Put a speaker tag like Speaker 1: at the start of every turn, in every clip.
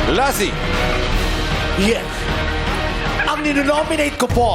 Speaker 1: Lassie.
Speaker 2: Yes. Ang ninonominate ko po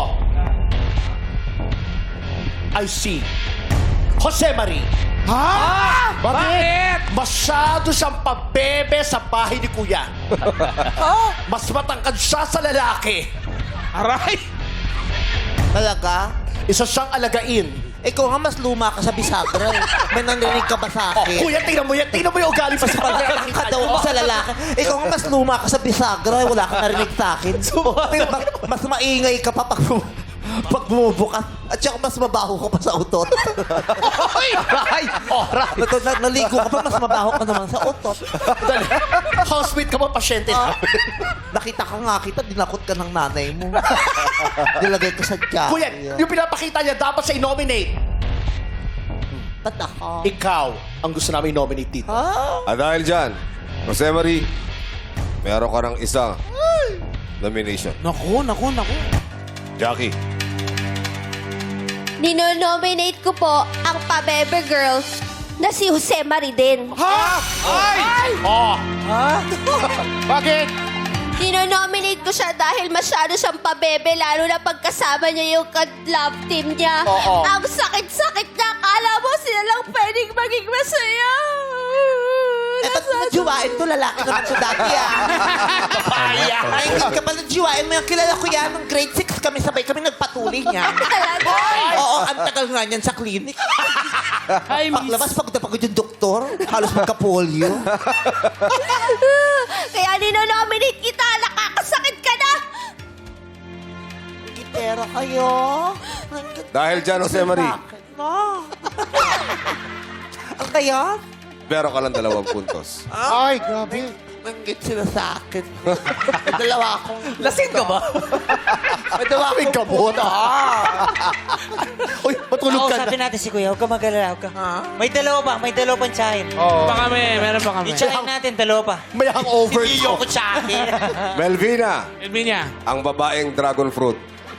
Speaker 2: ay si Jose Marie.
Speaker 3: Ha?
Speaker 2: Bakit? Masyado siyang pabebe sa bahay ni Kuya. Mas matangkad siya sa lalaki.
Speaker 3: Aray!
Speaker 4: Talaga?
Speaker 2: Isa siyang alagain.
Speaker 4: Ikaw nga mas luma ka sa bisagra eh. May narinig ka ba sa
Speaker 2: Oh,
Speaker 4: akin?
Speaker 2: Kuya, tingnan mo yan. Tingnan mo yung ugali pa sa
Speaker 4: Pagkakita daw ako sa lalaki. Ikaw nga mas luma ka sa bisagra eh. Wala kang narinig sa akin. Mas maingay ka pa pag bumubukas. At saka mas mabaho ka pa sa utot.
Speaker 2: Ay! Oh, right.
Speaker 4: Naligo ka pa, mas mabaho ka naman sa utot.
Speaker 2: Dali. Housemate ka ba, pasyente na?
Speaker 4: Nakita ka nga kita, dinakot ka ng nanay mo. Nilagay ka sa tiyan.
Speaker 2: Kuya, yung pinapakita niya, dapat siya i-nominate.
Speaker 4: Ba't ako?
Speaker 2: Ikaw ang gusto namin i-nominate dito.
Speaker 4: Ah?
Speaker 1: At dahil dyan, Jose Marie, meron ka ng isang nomination.
Speaker 3: Naku.
Speaker 1: Jackie.
Speaker 5: Ninonominate ko po ang pabebe girl na si Jose Marie din.
Speaker 3: Ay!
Speaker 2: Oh, bakit?
Speaker 5: Ninonominate ko siya dahil masyado siyang pabebe, lalo na pagkasama niya yung love team niya.
Speaker 2: Oo.
Speaker 5: Ang sakit-sakit niya. Akala mo sila lang pwedeng maging masaya.
Speaker 4: Eh, ba't mo najiwain to? Lalaki naman siya dati ah.
Speaker 2: Papaya.
Speaker 4: Ay, hindi ka pala najiwain mo yan. Kilala ko yan. Nung grade 6 kami, sabay kami nagpatuloy niya.
Speaker 5: Talaga.
Speaker 4: Oo, ang tagal nga niyan sa clinic.
Speaker 3: Ay,
Speaker 4: Paglabas, pagod na pagod yung doktor. Halos magka-polio.
Speaker 5: Kaya ninonominate kita. Nakakasakit ka na.
Speaker 4: Gitera kayo.
Speaker 1: Dahil dyan, Jose Marie,
Speaker 4: No. Ang kaya?
Speaker 1: meron ka lang 2 puntos.
Speaker 2: Ay, grabe.
Speaker 4: Nanggit sila sa akin. May dalawa akong...
Speaker 3: lasing ka ba?
Speaker 4: May dalawa
Speaker 2: May
Speaker 4: akong...
Speaker 2: gamot. Uy, matulog ka
Speaker 6: Sabi
Speaker 2: na.
Speaker 6: natin si Kuya, huwag ka mag-alala. Huwag ka.
Speaker 4: Ha?
Speaker 6: May dalawa pa, may dalawa pang tsahin.
Speaker 3: Pa kami, meron pa kami.
Speaker 6: I-tsahin natin, dalawa pa.
Speaker 2: May hangover.
Speaker 4: Siniyoko sa akin.
Speaker 1: Melvina,
Speaker 3: Elvinia.
Speaker 1: ang babaeng dragon fruit.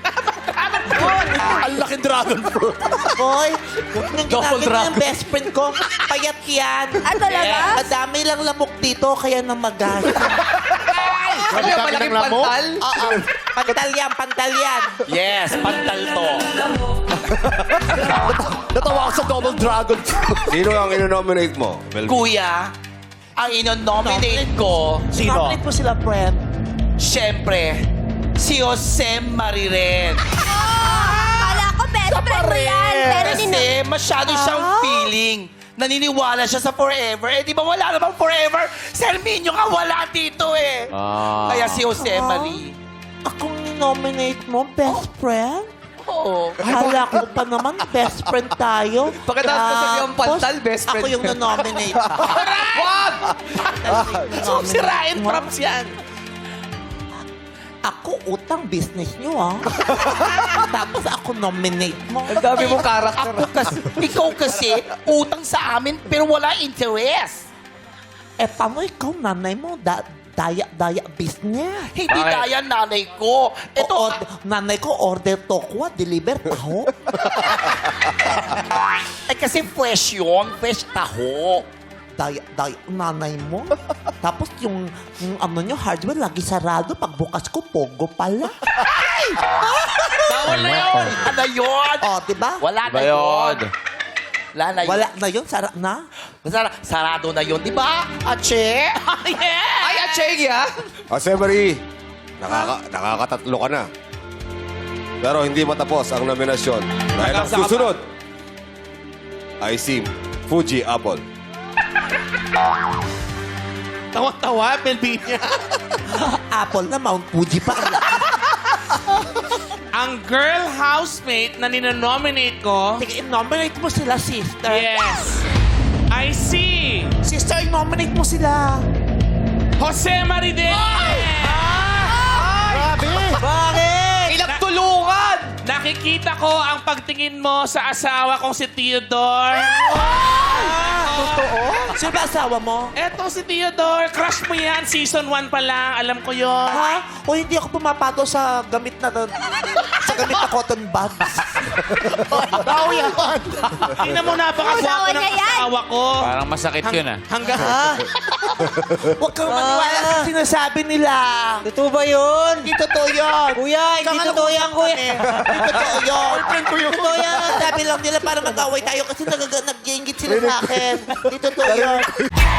Speaker 2: Ang laking dragon fruit.
Speaker 4: Boy, nang
Speaker 3: Double
Speaker 4: ginagin
Speaker 3: drop.
Speaker 4: yung best friend ko, payat yan.
Speaker 5: Ah, talaga?
Speaker 4: Madami lang lamok dito, kaya namagas.
Speaker 2: Grabe kami ng lamok.
Speaker 4: Oo, pantal yan.
Speaker 2: Yes, pantal to. Natawa ako sa double dragon fruit.
Speaker 1: Sino ang inonominate mo, Melvina?
Speaker 7: Kuya, ang inonominate ko,
Speaker 2: Sino?
Speaker 4: Nominate mo sila, friend.
Speaker 7: syempre, si Jose Marie rin.
Speaker 5: Kala ko best friend mo yan. Pero
Speaker 7: Kasi masyado siyang feeling. Naniniwala siya sa forever. Eh, di ba wala namang forever? Si Herminio nga wala dito eh. Kaya si Jose Marie.
Speaker 4: Akong nominate mo, best friend?
Speaker 7: Oo.
Speaker 4: Hala ko pa naman, best friend tayo.
Speaker 7: Pagkatapos ko sabihin ang pantal, best friend
Speaker 4: Ako yung
Speaker 7: ka.
Speaker 4: na-nominate.
Speaker 7: Wag! So,
Speaker 4: Nominate
Speaker 7: si Ryan
Speaker 4: mo.
Speaker 7: Props yan.
Speaker 4: Ako, utang business nyo, ah. Tapos ako nominate mo.
Speaker 7: Ang dami mong karakter. Ikaw kasi, utang sa amin, pero wala interest.
Speaker 4: Eh, paano ikaw, nanay mo? Daya business.
Speaker 7: Hindi kaya nanay ko. Ito,
Speaker 4: Nanay ko, order tokwa, deliver taho.
Speaker 7: eh kasi fresh yun. Fresh taho.
Speaker 4: Daya, nanay mo. Tapos yung ano nyo, hardware, lagi sarado. Pagbukas ko, pogo pala.
Speaker 7: Bawal na yun. Ano yun?
Speaker 4: O, diba?
Speaker 7: Wala na yun. Wala na yun.
Speaker 4: Wala na yun, sara na.
Speaker 7: Sarado na yun, di ba? Ache? Yes! Ay, Ache, yeah.
Speaker 1: Jose Marie, nakakatatlo ka na. Pero hindi matapos ang nominasyon. Dahil ang susunod ay si Fuji Apple.
Speaker 3: Tawa-tawa, Melvinia.
Speaker 4: Apple na, Mount Fuji pa.
Speaker 3: Ang girl housemate na ninonominate ko,
Speaker 4: Sige, nominate mo sila, sister.
Speaker 3: yes, I see
Speaker 4: Sister, nominate mo sila.
Speaker 3: Jose Marie din!
Speaker 2: Grabe.
Speaker 4: Bakit?
Speaker 7: Ilang tulungan!
Speaker 3: Nakikita ko ang pagtingin mo sa asawa kong si Theodore.
Speaker 4: Totoo? Sino ba asawa mo?
Speaker 3: Eto si Theodore, crush mo yan. Season 1 pa lang, alam ko yon.
Speaker 4: Ha? O hindi ako pumapato sa gamit na sa nakagamit na cotton buds.
Speaker 2: Tao yan.
Speaker 3: Tingnan mo, napakagwapo
Speaker 5: Asawa
Speaker 3: ng
Speaker 5: niya yan.
Speaker 3: asawa ko.
Speaker 8: Parang masakit yun ah.
Speaker 3: Hanggang...
Speaker 4: Huwag kang maniwala sa sinasabi nila.
Speaker 6: Totoo ba yun?
Speaker 4: Hindi totoo yun.
Speaker 6: Kuya, hindi totoo yan, kuya.
Speaker 4: Hindi totoo yun. Totoo yan. Sabi lang nila para mag-away tayo kasi nag-iingit sila sa akin. Hindi totoo yun.